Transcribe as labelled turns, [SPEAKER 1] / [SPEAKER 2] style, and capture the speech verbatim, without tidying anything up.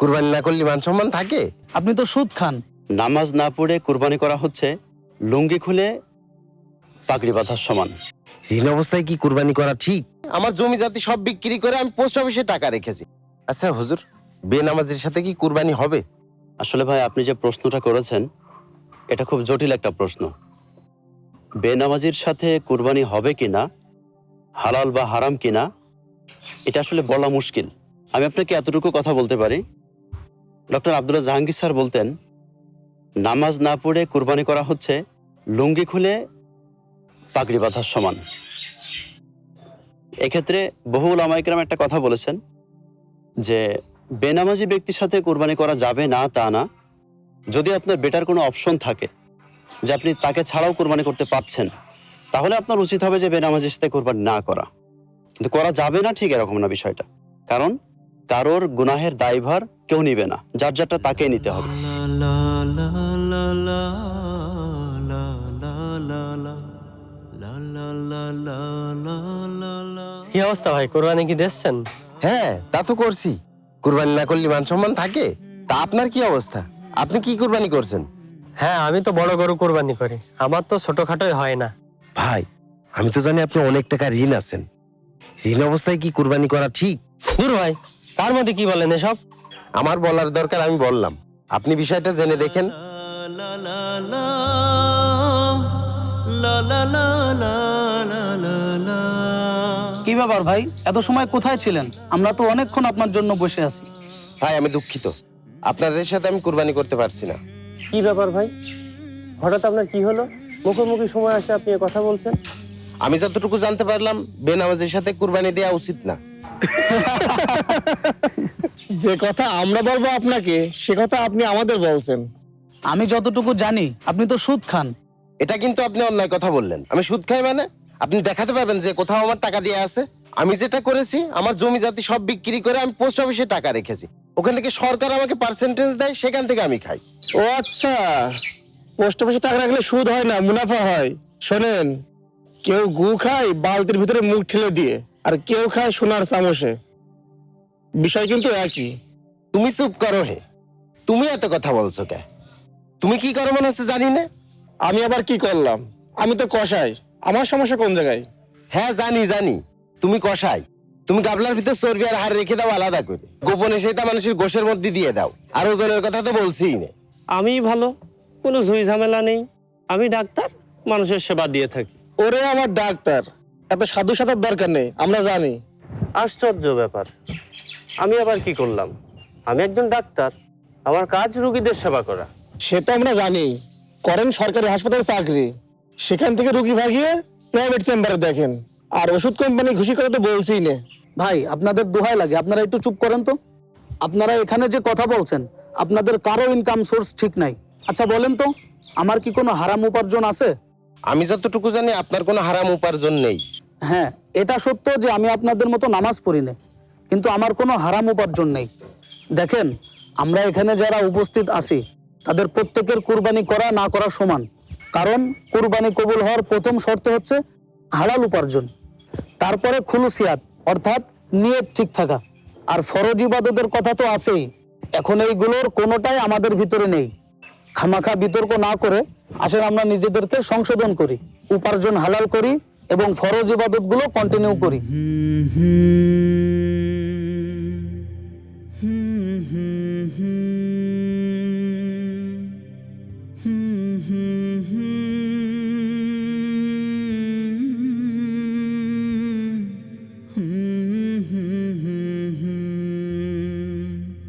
[SPEAKER 1] কুরবানি না করলে মান সম্মান থাকে?
[SPEAKER 2] আপনি তো সুদ খান।
[SPEAKER 3] নামাজ না পড়ে কুরবানি করা হচ্ছে লুঙ্গি খুলে পাগড়ি বাঁধার সমান।
[SPEAKER 1] ঋণ অবস্থায় কি কুরবানি করা ঠিক? আমার জমি জাতি সব বিক্রি করে আমি পোস্ট অফিসে টাকা রেখেছি। আচ্ছা হুজুর, বেনামাজির সাথে কি কুরবানি হবে?
[SPEAKER 3] আসলে ভাই, আপনি যে প্রশ্নটা করেছেন এটা খুব জটিল একটা প্রশ্ন। বেনামাজির সাথে কুরবানি হবে কিনা, হালাল বা হারাম কিনা, এটা আসলে বলা মুশকিল। আমি আপনাকে এতটুকু কথা বলতে পারি, ডক্টর আব্দুল্লাহ জাহাঙ্গীর স্যার বলতেন, নামাজ না পড়ে কুরবানি করা হচ্ছে লুঙ্গি খুলে পাগড়ি বাঁধার সমান। এক্ষেত্রে বহু উলামা ইকরাম একটা কথা বলেছেন যে বেনামাজি ব্যক্তির সাথে কুরবানি করা যাবে না তা না, যদি আপনার বেটার কোনো অপশন থাকে যে আপনি তাকে ছাড়াও কুরবানি করতে পারছেন, তাহলে আপনার উচিত হবে যে বেনামাজির সাথে কুরবানি না করা। কিন্তু করা যাবে না ঠিক এরকম না বিষয়টা, কারণ কারোর গুনাহের দায়ভার কেউ নিবে না, যার যারটা তাকেই নিতে হবে।
[SPEAKER 4] কি অবস্থা ভাই, কোরবানি কি দিচ্ছেন?
[SPEAKER 1] হ্যাঁ, তা তো করছি। কুরবানি না করলে মান সম্মান থাকে? তা আপনার কি অবস্থা? আপনি কি কুরবানি করছেন?
[SPEAKER 4] হ্যাঁ, আমি তো বড় গরু কোরবানি করি, আমার তো ছোটখাটোই হয় না।
[SPEAKER 1] ভাই, আমি তো জানি আপনি অনেক টাকা ঋণ আছেন। ঋণ অবস্থায় কি কুরবানি করা ঠিক?
[SPEAKER 4] দূর ভাই, তার মধ্যে কি বলেন এসব?
[SPEAKER 1] আমার বলার দরকার আমি বললাম, আপনি বিষয়টা জেনে দেখেন।
[SPEAKER 2] কি ব্যাপার ভাই, এত সময় কোথায় ছিলেন? আমরা তো অনেকক্ষণ আপনার জন্য বসে আছি।
[SPEAKER 1] ভাই, আমি দুঃখিত, আপনাদের সাথে আমি কুরবানি করতে পারছি না।
[SPEAKER 4] কি ব্যাপার ভাই, হঠাৎ আপনার কি হলো? মুখোমুখি সময় আসে আপনি কথা বলছেন।
[SPEAKER 1] আমি যতটুকু জানতে পারলাম, বেনামাজের সাথে কুরবানি দেওয়া উচিত না।
[SPEAKER 5] যে কথা আমরা বলবো আপনাকে, সে কথা আপনি আমাদের বলছেন।
[SPEAKER 2] আমি যতটুকু জানি আপনি তো সুদ খান।
[SPEAKER 1] এটা কিন্তু আপনি অন্যায় কথা বললেন। আমি সুদ খাই মানে? আপনি দেখাতে পারবেন যে কোথাও আমার টাকা দিয়ে আছে? আমি যেটা করেছি, আমার জমি জাতি সব বিক্রি করে আমি পোস্ট অফিসে টাকা রেখেছি। ওখান থেকে সরকার আমাকে পার্সেন্টেজ দেয়, সেখান থেকে আমি খাই।
[SPEAKER 5] ও আচ্ছা, পোস্ট অফিসে টাকা রাখলে সুদ হয় না, মুনাফা হয়। শোনেন, কেউ গু খায় বালতির ভিতরে মুখ ঠেলে দিয়ে, আর কেউ খায় সোনার চামচে। বিষয় কিন্তু একই।
[SPEAKER 1] তুমি চুপ করো হে। তুমি এত কথা বলছো কে? তুমি কি করো মনে হচ্ছে জানি না।
[SPEAKER 5] আমি আবার কি করলাম? আমি তো কষাই। আমার সমস্যা কোন জায়গায়?
[SPEAKER 1] হ্যাঁ জানি জানি, তুমি কষাই। তুমি গাবলার ভিতর চর্বি আর হাড় রেখে দাও আলাদা করে, গোপনে সেটা মানুষের গোশের মধ্যে দিয়ে দাও। আর ওজনের কথা তো বলছিই না।
[SPEAKER 4] আমি ভালো, কোনো ঝুই ঝামেলা নেই। আমি ডাক্তার, মানুষের সেবা দিয়ে থাকি।
[SPEAKER 5] ওরে আমার ডাক্তার, এত সাধু সাধার দরকার নেই, আমরা জানি।
[SPEAKER 4] আশ্চর্য ব্যাপার, আমি আবার কি করলাম? আমি একজন ডাক্তার, আমার কাজ রোগীদের সেবা করা।
[SPEAKER 5] সেটা আমরা জানি, করেন সরকারি হাসপাতালে চাকরি, সেখান থেকে রুগী ভাগিয়ে প্রাইভেট চেম্বারে দেখেন। আর ওষুধ কোম্পানি ঘুষি করে তো বলছিই না।
[SPEAKER 2] ভাই, আপনাদের দোহাই লাগে, আপনারা একটু চুপ করেন তো। আপনারা এখানে যে কথা বলছেন, আপনাদের কারো ইনকাম সোর্স ঠিক নাই। আচ্ছা বলেন তো, আমার কি কোনো হারাম উপার্জন আছে?
[SPEAKER 1] আমি যতটুকু জানি আপনার কোনো হারাম উপার্জন নেই।
[SPEAKER 2] হ্যাঁ, এটা সত্য যে আমি আপনাদের মতো নামাজ পড়ি না, কিন্তু আমার কোনো হারাম উপার্জন নেই। দেখেন, আমরা এখানে যারা উপস্থিত আছি তাদের প্রত্যেকের কুরবানি করা না করা সমান। কারণ কুরবানি কবুল হওয়ার প্রথম শর্ত হচ্ছে হালাল উপার্জন, তারপরে খুলুসিয়াত অর্থাৎ নিয়ত ঠিক থাকা, আর ফরজ ইবাদতের কথা তো আছেই। এখন এইগুলোর কোনোটাই আমাদের ভিতরে নেই। খামাখা বিতর্ক না করে আসেন আমরা নিজেদেরকে সংশোধন করি, উপার্জন হালাল করি এবং ফরজ ইবাদতগুলো কন্টিনিউ করি।